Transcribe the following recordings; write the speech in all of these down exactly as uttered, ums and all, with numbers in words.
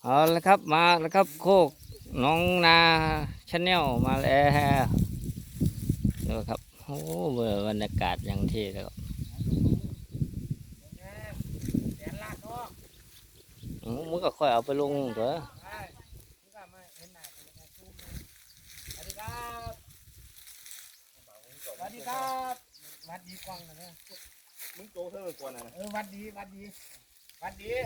เอาละครับมาแล้วครับโคกน้องนาชาแนลมาแล้วดูครับโอ้เบอร์บรรยากาศอย่างที่แล้วครับอืมมึงก็ค่อยเอาไปลงเถอะสวัสดีครับวัดดีกว้างนะเนี่ยมึงโตเท่าไหร่กว่านะเออวัดดีวัดดีวัดดี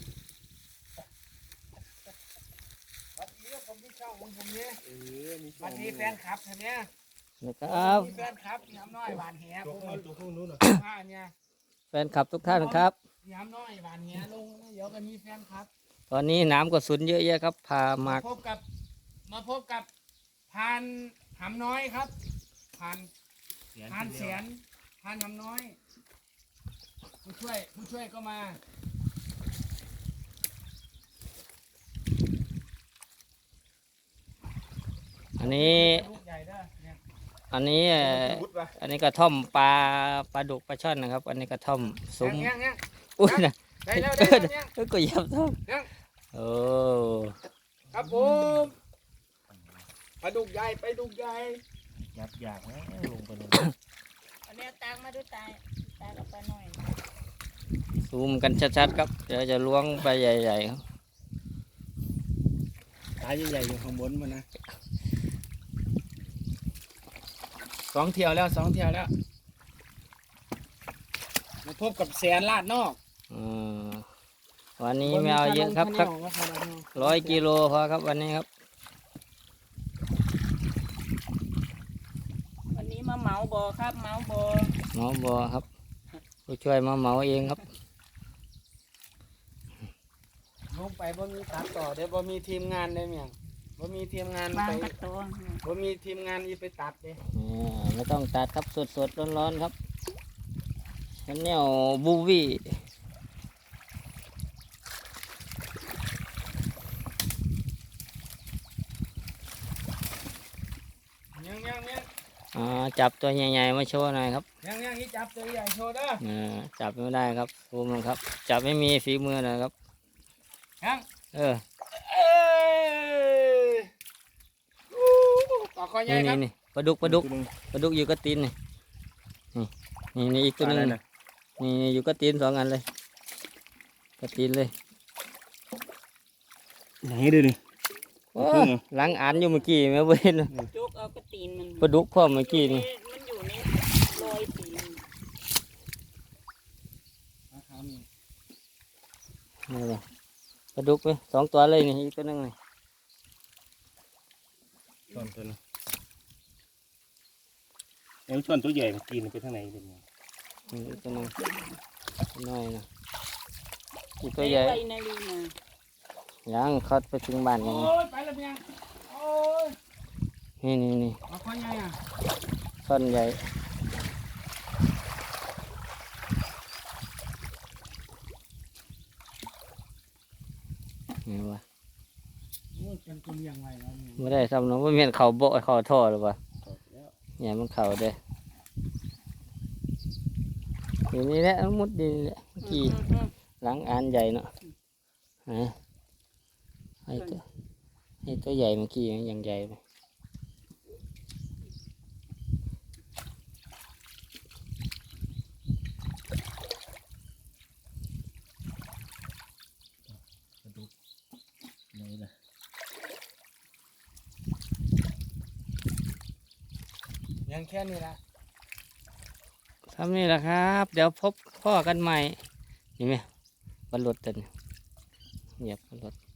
วัดดีผมมีช่องของผมเนี่ยเออมีวัดดีแฟนคลับใช่ไหมนะครับมีแฟนคลับยามน้อยหวานแหผมเอาตัวพวกนู้นหน่อยผ้าเนี่ยแฟนคลับทุกท่านครับยามน้อยหวานแหลงเดี๋ยวก็มีแฟนคลับตอนนี้น้ำก็สุนเยอะแยะครับพามาพบกับมาพบกับพานหำน้อยครับพานพานเสียนพานหำน้อยผู้ช่วยผู้ช่วยก็มาอันนี้อันนี้อันนี้กระท่อมปลาปลาดุกปลาช่อนนะครับอันนี้กระท่อมซุ้มอุ้ยนะได้แล้วได้แล้วเนี่ยก็ยับท่อมโอ้ครับผมปลาดุกใหญ่ปลาดุกใหญ่ยับอยากนะลงไปลงอันนี้ตักมาดูตายตายกับปลาหน่อยซูมกันชัดๆครับเดี๋ยวจะล้วงไปใหญ่ๆครับตาใหญ่ๆอยู่ข้างบนมันนะสองเที่ยวแล้วสองเที่ยวแล้วมาพบกับแสนลาดนอกวันนี้ไม่เอาเยอะครับสักร้อยกิโลพอครับวันนี้ครับวันนี้มาเหมาบ่อครับเหมาบ่อเหมาบ่อครับผู้ช่วยมาเหมาเองครับลงไปบ่มีตัดต่อเดี๋ยวบ่มีทีมงานได้เมียงบ่มีทีมงานไปบ่มีทีมงานอีไปตัดเลยไม่ต้องตัดครับสดๆร้อนๆครับชาแนลบูวี่ยังยังยังอ่าจับตัวใหญ่ๆมาโชว์หน่อยครับยังยังนี่จับตัวใหญ่โชว์เด้ออ่าจับไม่ได้ครับภูมิครับจับไม่มีฝีมือหน่อยครับยังเออต่อคอใหญ่ครับนี่ปลาดุกปลาดุกปลาดุกอยู่กับตีนนี่นี่นี่อีกตัวนึงนี่อยู่กับตีนสองอันเลยกับตีนเลยไหนดูดิหลังอ่านอยู่เมื่อกี้แม่เว้นจุกเอากระตีนมันปลาดุกพ่อเมื่อกี้นี่มันอยู่ในรอยตีนนี่เลยปลาดุกไปสองตัวเลยนี่อีกตัวนึงนี่ช่อนตัวนึงแล้วช่อนตัวใหญ่มันกินไปทางไหนเป็นไงอีกตัวนึงน้อยนะอีกตัวใหญ่ยังเขาไปถึงบ้านยังโอ้ยไปแล้วเพียงโอ้ยนี่นี่นี่มาคอใหญ่อ่ะซ่อนใหญ่นี่วะเป็นตัวอย่างไรแล้วเนี่ยไม่ได้ทำน้องไม่เมียนเข่าโบะเข่าท่อหรือเปล่าเนี่ยมันเข่าเด้อยู่นี่แหละมุดดีแหละกี่หลังอ่านใหญ่เนาะฮะไอ้ตัวไอ้ตัวใหญ่เมื่อกี้ยังใหญ่ไปยังแค่นี้ละทำนี่แหละครับเดี๋ยวพบพ่อกันใหม่นี่ไหมบรรลุดเต็นเหยียบบรรลุด